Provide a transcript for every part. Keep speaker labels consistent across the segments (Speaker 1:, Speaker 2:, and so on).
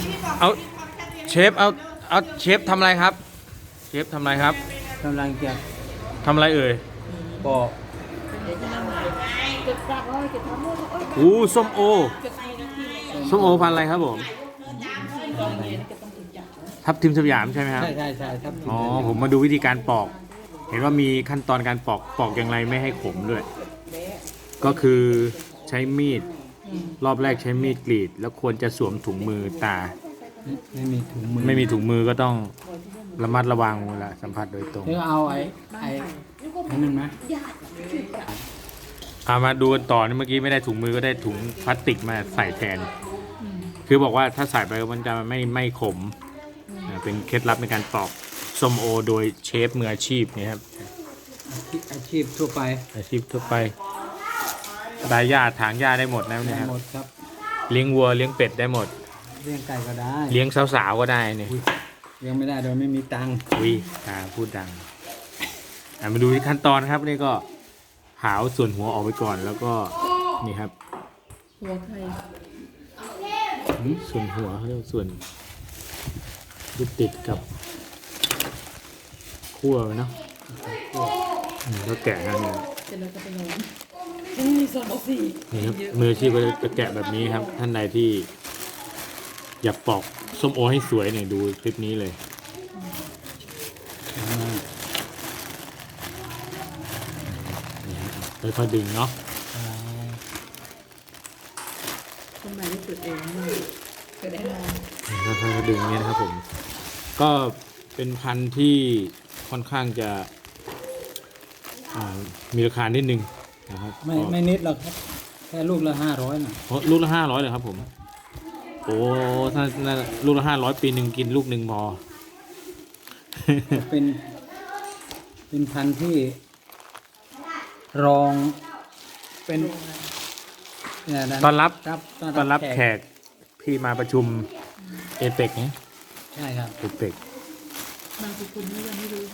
Speaker 1: เอาเชฟเอาเชฟทำอะไรครับเชฟทำอะไรครับ
Speaker 2: กำลังจะ
Speaker 1: ทำอะไรเอ่ย
Speaker 2: ปอก
Speaker 1: อู้ส้มโอส้มโอพันธุ์อะไรครับผมทับทิมสยามใช่ไหมครับ
Speaker 2: ใช่ครับ
Speaker 1: อ๋อผมมาดูวิธีการปอก เห็นว่ามีขั้นตอนการปอกอย่างไรไม่ให้ขมด้วย ก็คือใช้มีดรอบแรกใช้มีดกรีด แล้วควรจะสวมถุงมือตา
Speaker 2: ไม่มีถุงมือ
Speaker 1: ไม่มีถุงมือก็ต้องระมัดระวังเวลาสัมผัสโดยตรง
Speaker 2: เธอเอาไอ้นั่นไหม
Speaker 1: มาดูกันต่อนี่เมื่อกี้ไม่ได้ถุงมือก็ได้ถุงพลาสติกมาใส่แทน คือบอกว่าถ้าใส่ไปมันจะไม่ขมเป็นเคล็ดลับในการปอกส้มโอโดยเชฟมืออาชีพนี่ครับ
Speaker 2: อาชีพทั่วไป
Speaker 1: อาชีพทั่วไปได้หญ้าถางหญ้าได้หมดนะเนี่ยครับ
Speaker 2: หมดครับ
Speaker 1: เลี้ยงวัวเลี้ยงเป็ดได้หมด
Speaker 2: เลี้ยงไก่ก็ได้
Speaker 1: เลี้ยงสาวๆก็ได้เนี่ย
Speaker 2: เลี้ยงไม่ได้โดยไม่มีตังค์
Speaker 1: อุ้ยพูดดังมาดูที่ขั้นตอนครับนี่ก็หาวส่วนหัวออกไปก่อนแล้วก็นี่ครับ
Speaker 3: หัวใคร
Speaker 1: ส่วนหัวเขาเรียกว่าส่วนที่ติดกับขั้วเนาะก็แกะกันเนี่ย
Speaker 3: เสร็จแล้วจะไปนอนมีสองสี่
Speaker 1: นี่ครับมืออาชีพก็จะแกะแบบนี้ครับ ท่านใดที่อยากปอกส้มโอให้สวยเนี่ยดูคลิปนี้เลยนี่ฮะค่อยๆดึงเนาะ
Speaker 3: คนใหม่ที่สุดเองเกิดได้นอน
Speaker 1: ค่อยๆดึงเนี่ยนะครับผม ก็เป็นพันธุ์ที่ค่อนข้างจะมีราคานิดนึงนะครับ
Speaker 2: ไม่นิดหรอกครับแค่ลูกละ500น่ะ
Speaker 1: ลูกละ500เลยครับผม โอ้ถ้าลูกละ500ปีหนึ่งกินลูกหนึ่งพอ
Speaker 2: เป็นพันธุ์ที่รองเป็นเนี่ยะ
Speaker 1: ต้อนรับ
Speaker 2: ครับ
Speaker 1: ต้อนรับแขกพี่มาประชุมเอเปกเนี่ย
Speaker 2: ใช่ครับ
Speaker 1: เอเปก
Speaker 3: บางคนไม่ยังไม่รู้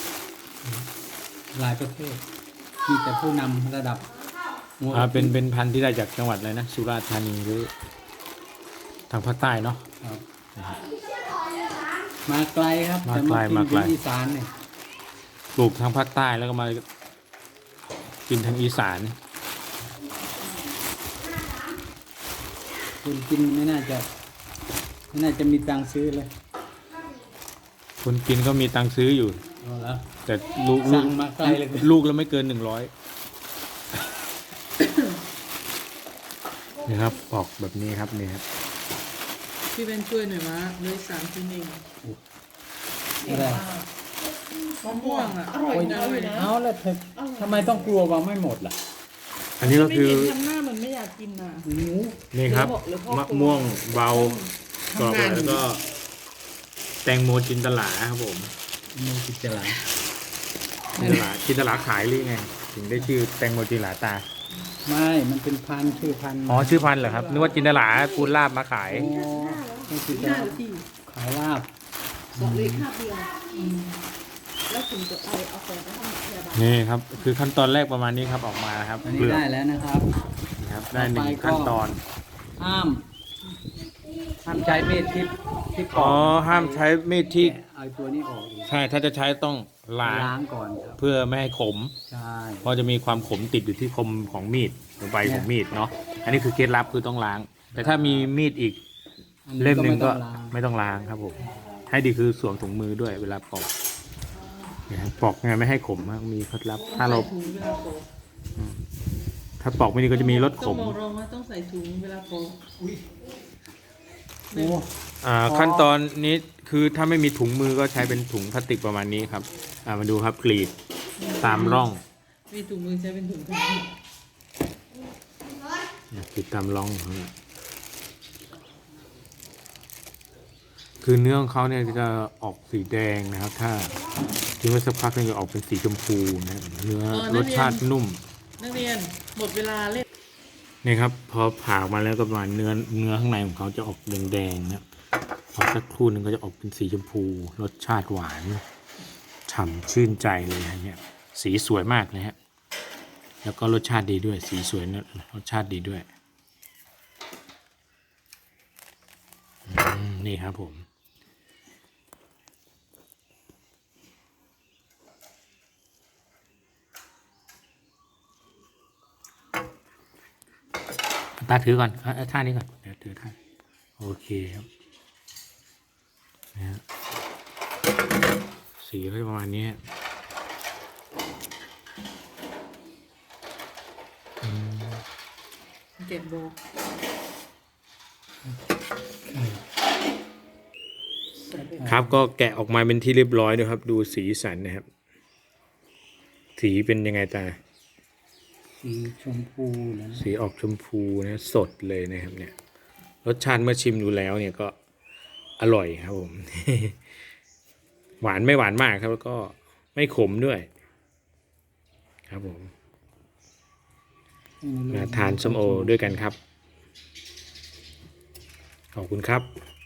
Speaker 2: หลายประเทศมีแต่ผู้นำระดับหัว
Speaker 1: เป็นพันธุ์ที่ได้จากจังหวัดอะไรนะสุราษฎร์ธานีหรือทางภาคใต้เนาะ
Speaker 2: ครับมาไกลครับ
Speaker 1: มาไกล
Speaker 2: แต่
Speaker 1: มาไกล
Speaker 2: ที่อีสานเนี่ย
Speaker 1: ปลูกทางภาคใต้แล้วก็มากินทางอีสาน
Speaker 2: คุณกินไม่น่าจะมีตังค์ซื้อเลย
Speaker 1: คนกินก็มีตังค์ซื้ออยู่
Speaker 2: เอาแล้ว
Speaker 1: แต่ลูก
Speaker 2: สั่งมาไกลเลย
Speaker 1: ลูกแล้วไม่เกิน100นี่ครับปอกแบบนี้ครับนี่ครับ
Speaker 3: พี่เป็นช่วยหน่อยมะเลย3 ชิ้นเอง
Speaker 2: อะไร
Speaker 3: มะม่วงอ่ะอร่อยนะเลยนะ
Speaker 2: เอาแล้วเธอทำไมต้องกลัวว่าไม่หมดล่ะ
Speaker 1: อันนี้ก็
Speaker 3: ไม่
Speaker 1: คือ
Speaker 3: เห็นทำหน้ามันไม่อยากกินอ่ะ
Speaker 1: นี่ครับ
Speaker 3: หรือพ่อ
Speaker 1: มะม่วงเบากรอบแล้วก็ แตงโมจินตลาครับผม
Speaker 2: มูกิจลา
Speaker 1: จินตลาขายหรือไง ถึงได้ชื่อแตงโมจินตลาตา
Speaker 2: ไม่มันเป็นพันธุ์ชื่อพันธุ์
Speaker 1: อ๋อชื่อพันธุ์เหรอครับนึกว่าจินตลาปูนลาบมาขาย
Speaker 2: อ๋อไม่กิจ
Speaker 3: หน้า
Speaker 2: ลา
Speaker 3: หรือที่
Speaker 2: ขายลาบ
Speaker 3: 2 เลยคาบเดียวแล้วถึงจะเอาของไปให้พยาบาล
Speaker 1: นี่ครับ คือขั้นตอนแรกประมาณนี้ครับออกมาครับ
Speaker 2: อัน
Speaker 1: เป
Speaker 2: นี้
Speaker 1: ลือก
Speaker 2: ได้แล้วนะครับ
Speaker 1: นะครับได้หนึ่ง
Speaker 2: ต่อไปก็
Speaker 1: ขั้นตอน
Speaker 2: ห้ามใช้มีดที่ป
Speaker 1: อ๋
Speaker 2: อ
Speaker 1: อก ห้ามใช้มีดที่
Speaker 2: เอาตัวนี้ออกอีก
Speaker 1: ใช่ถ้าจะใช้ต้องล้าง
Speaker 2: ล้างก่อนครับ
Speaker 1: เพื่อไม่ให้ขม
Speaker 2: ใช่
Speaker 1: เพราะจะมีความขมติดอยู่ที่คมของมีดหรือใบของมีดเนาะอันนี้คือเคล็ดลับคือต้องล้าง แต่ถ้ามีมีดอีก
Speaker 2: อั
Speaker 1: เล่มหนึ่งก็
Speaker 2: ไม่ต้องล้าง
Speaker 1: ไม่ต้องล้างครับผมให้ดีคือสวมถุงมือด้วยเวลาปอกเนี่ยครับปอกยังไงไม่ให้ขมครับมีเคล็ดลับ ถ้าเรา
Speaker 3: ใส่ถุงเวลาปอก
Speaker 1: ถ้าปอกไม่ดีก็จะมีรสข
Speaker 3: ต้อง
Speaker 1: ม
Speaker 3: บอกรองว่าต้องใส่ถุงเวลาปอก
Speaker 2: โอ้
Speaker 1: ขั้นตอนนี้คือถ้าไม่มีถุงมือก็ใช้เป็นถุงพลาสติกประมาณนี้ครับมาดูครับกรีดตามร่อง
Speaker 3: มีถุงมือใช้เป็นถุงพลาสติก
Speaker 1: เนี่ยกรีดตามร่องเขาเนี่ยคือเนื้อของเขาเนี่ยจะออกสีแดงนะครับ ถ้าทิ้งไว้สักพักนึงจะออกเป็นสีชมพูนะเนื้อรสชาตินุ่ม
Speaker 3: นักเรียนหมดเวลาเล่น
Speaker 1: นี่ครับพอผ่าออกมาแล้วก็ประมาณเนื้อข้างในของเขาจะออกแดงๆนะพอสักครู่หนึงก็จะออกเป็นสีชมพู รสชาติหวานฉ่ำชื่นใจเลยนะเนี่ยสีสวยมากเลยฮะแล้วก็รสชาติดีด้วย สีสวยนะรสชาติดีด้วยนี่ครับผม ตาถือก่อนท่านี้ก่อนเดี๋ยวถือท่าโอเคครับนะฮะสีก็ประมาณนี้
Speaker 3: เจ็บโบ
Speaker 1: ครับก็แกะออกมาเป็นที่เรียบร้อยด้วยครับ ดูสีสันนะครับ สีเป็นยังไงตา
Speaker 2: สีชมพูนะ
Speaker 1: สีออกชมพูนะสดเลยนะครับเนี่ยรสชาติเมื่อชิมดูแล้วเนี่ยก็อร่อยครับผม หวานไม่หวานมากครับแล้วก็ไม่ขมด้วย ครับผมมาทานส้มโอด้วยกันครับ ขอบคุณครับ